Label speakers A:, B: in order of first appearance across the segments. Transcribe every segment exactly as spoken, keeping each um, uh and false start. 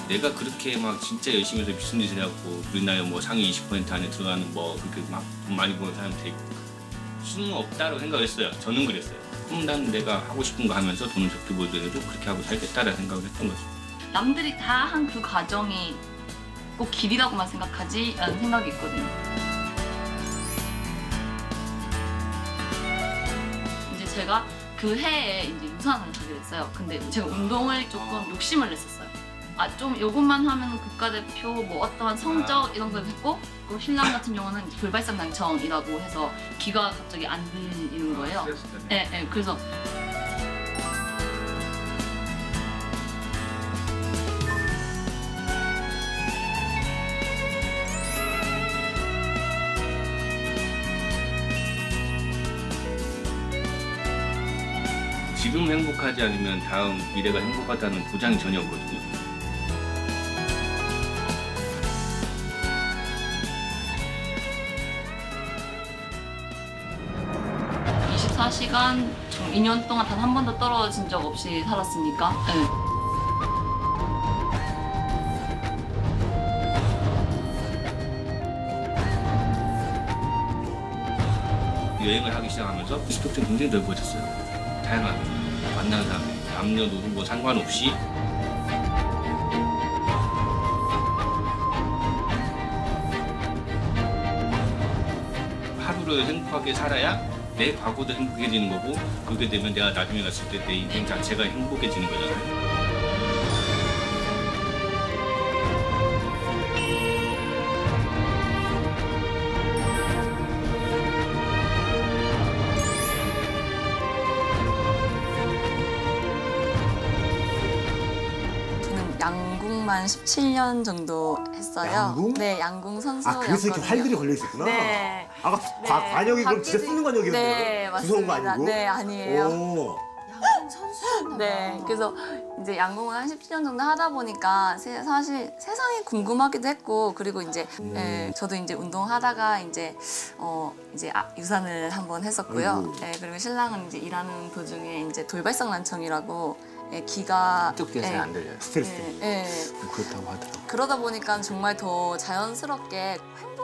A: 내가 그렇게 막 진짜 열심히 해서 무슨 짓을 해갖고 우리나라 뭐 상위 이십 퍼센트 안에 들어가는 뭐 그렇게 막 돈 많이 버는 사람 될 수는 없다고 생각했어요. 저는 그랬어요. 그럼 난 내가 하고 싶은 거 하면서 돈을 적게 벌더라도 그렇게 하고 살겠다라는 생각을 했던 거죠.
B: 남들이 다 한 그 과정이 꼭 길이라고만 생각하지 라는 생각이 있거든요. 이제 제가 그 해에 이제 유산을 하게 됐어요. 근데 제가 운동을 조금 욕심을 냈었어요. 아, 좀 요것만 하면 국가대표 뭐 어떠한 성적 이런 걸 했고, 그 신랑 같은 경우는 돌발상 난청이라고 해서 귀가 갑자기 안 들리는 거예요. 네, 네, 그래서
A: 지금 행복하지 않으면 다음 미래가 행복하다는 보장이 전혀 없거든요.
B: 이십사 시간 이 년 동안 단 한 번도 떨어진 적 없이 살았으니까. 네.
A: 여행을 하기 시작하면서 스펙트럼이 굉장히 넓어졌어요. 다양하게 만나는 사람, 남녀노소 뭐 상관없이 하루를 행복하게 살아야 내 과거도 행복해지는 거고, 그렇게 되면 내가 나중에 갔을 때 내 인생 자체가 행복해지는 거잖아요.
B: 양궁만 십칠 년 정도 했어요.
C: 양궁?
B: 네, 양궁 선수였거든요.
C: 아, 그래서 이렇게 활들이 걸려 있었구나.
B: 네.
C: 아까
B: 네.
C: 과, 관역이 그럼 진짜 쓰는 관역이었네요.
B: 네,
C: 무서운 거
B: 맞습니다.
C: 아니고?
B: 네, 아니에요.
C: 오.
D: 양궁 선수였나 봐.
B: 네, 그래서 이제 양궁을 한 십칠 년 정도 하다 보니까 세, 사실 세상이 궁금하기도 했고, 그리고 이제
C: 음.
B: 예, 저도 이제 운동하다가 이제 어 이제 아, 유산을 한번 했었고요. 예, 그리고 신랑은 이제 일하는 도중에 이제 돌발성 난청이라고 예, 귀가
E: 한쪽 귀가 잘 안 들려요.
C: 스트레스.
B: 예, 예.
E: 그렇다고 하더라고요.
B: 그러다 보니까 정말 더 자연스럽게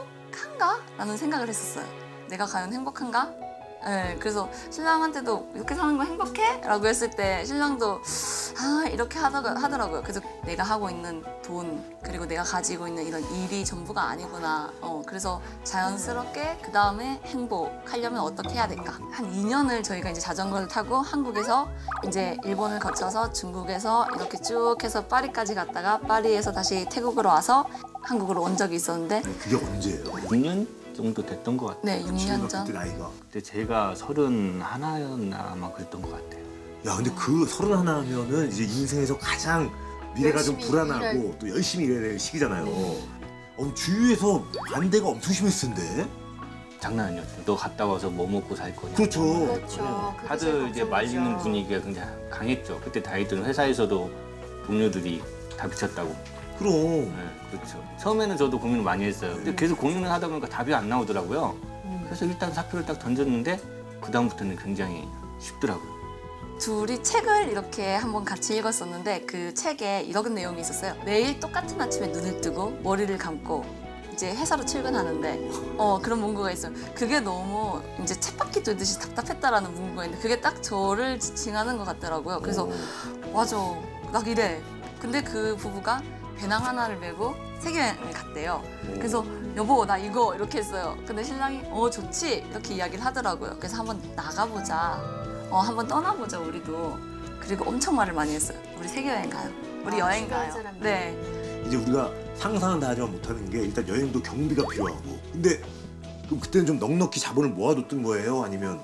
B: 행복한가? 라는 생각을 했었어요. 내가 과연 행복한가? 네, 그래서 신랑한테도 이렇게 사는 거 행복해? 라고 했을 때 신랑도 아 이렇게 하다가, 하더라고요. 그래서 내가 하고 있는 돈 그리고 내가 가지고 있는 이런 일이 전부가 아니구나. 어, 그래서 자연스럽게 그 다음에 행복하려면 어떻게 해야 될까? 한 이 년을 저희가 이제 자전거를 타고 한국에서 이제 일본을 거쳐서 중국에서 이렇게 쭉 해서 파리까지 갔다가 파리에서 다시 태국으로 와서 한국으로 온 적이 있었는데
C: 그게 언제예요?
E: 육 년 정도 됐던 것 같아요.
B: 네, 육 년 전.
C: 그때 나이가.
E: 그때 제가 서른 하나였나 아마 그랬던 것 같아요.
C: 야, 근데 그 서른 하나 하면은 이제 인생에서 가장 미래가 좀
D: 열심히
C: 불안하고
D: 일할...
C: 또 열심히 일해야 될 시기잖아요. 어, 주위에서 반대가 엄청 심했을 텐데.
E: 장난 아니었어요. 너 갔다 와서 뭐 먹고 살 거냐.
C: 그렇죠.
D: 그렇죠. 그게 제일
E: 다들 이제 말리는
D: 걱정이죠.
E: 분위기가 굉장히 강했죠. 그때 다니던 회사에서도 동료들이 다 미쳤다고.
C: 그럼.
E: 네, 그렇죠. 처음에는 저도 고민을 많이 했어요. 근데 계속 고민을 하다 보니까 답이 안 나오더라고요. 그래서 일단 사표를 딱 던졌는데 그 다음부터는 굉장히 쉽더라고요.
B: 둘이 책을 이렇게 한번 같이 읽었었는데 그 책에 이런 내용이 있었어요. 매일 똑같은 아침에 눈을 뜨고 머리를 감고 이제 회사로 출근하는데 어 그런 문구가 있어요. 그게 너무 이제 쳇바퀴 돌듯이 답답했다라는 문구가 있는데 그게 딱 저를 지칭하는 것 같더라고요. 그래서 맞아, 나 이래. 근데 그 부부가 배낭 하나를 메고 세계여행을 갔대요. 그래서 여보 나 이거 이렇게 했어요. 근데 신랑이 어 좋지 이렇게 이야기를 하더라고요. 그래서 한번 나가보자. 어 한번 떠나보자 우리도. 그리고 엄청 말을 많이 했어요. 우리 세계여행 가요. 우리
D: 아,
B: 여행
D: 주변
B: 가요.
D: 사람들.
B: 네.
C: 이제 우리가 상상은 다 하지만 못하는 게 일단 여행도 경비가 필요하고. 근데 그럼 그때는 좀 넉넉히 자본을 모아뒀던 거예요? 아니면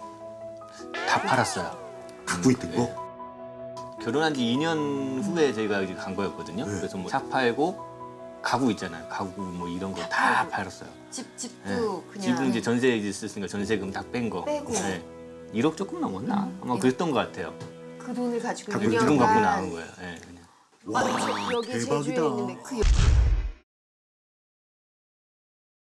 E: 다 팔았어요.
C: 갖고 있던
E: 네.
C: 거?
E: 결혼한 지 이 년 후에 저희가 이제 간 거였거든요.
C: 네.
E: 그래서 뭐 차 팔고 가구 있잖아요. 가구 뭐 이런 거 다 팔았어요.
D: 집, 집도
E: 네.
D: 그냥
E: 집은 이제 전세 있었으니까 전세금 다 뺀 거.
D: 빼고.
E: 네. 일억 조금 넘었나? 아마 그랬던 것 같아요.
D: 그 돈을 가지고
C: 갖고
D: 이
E: 그
D: 년간
E: 돈 갖고 나온 거예요. 네, 그냥.
C: 와,
D: 여기
C: 대박이다.
D: 제주에 있는데 그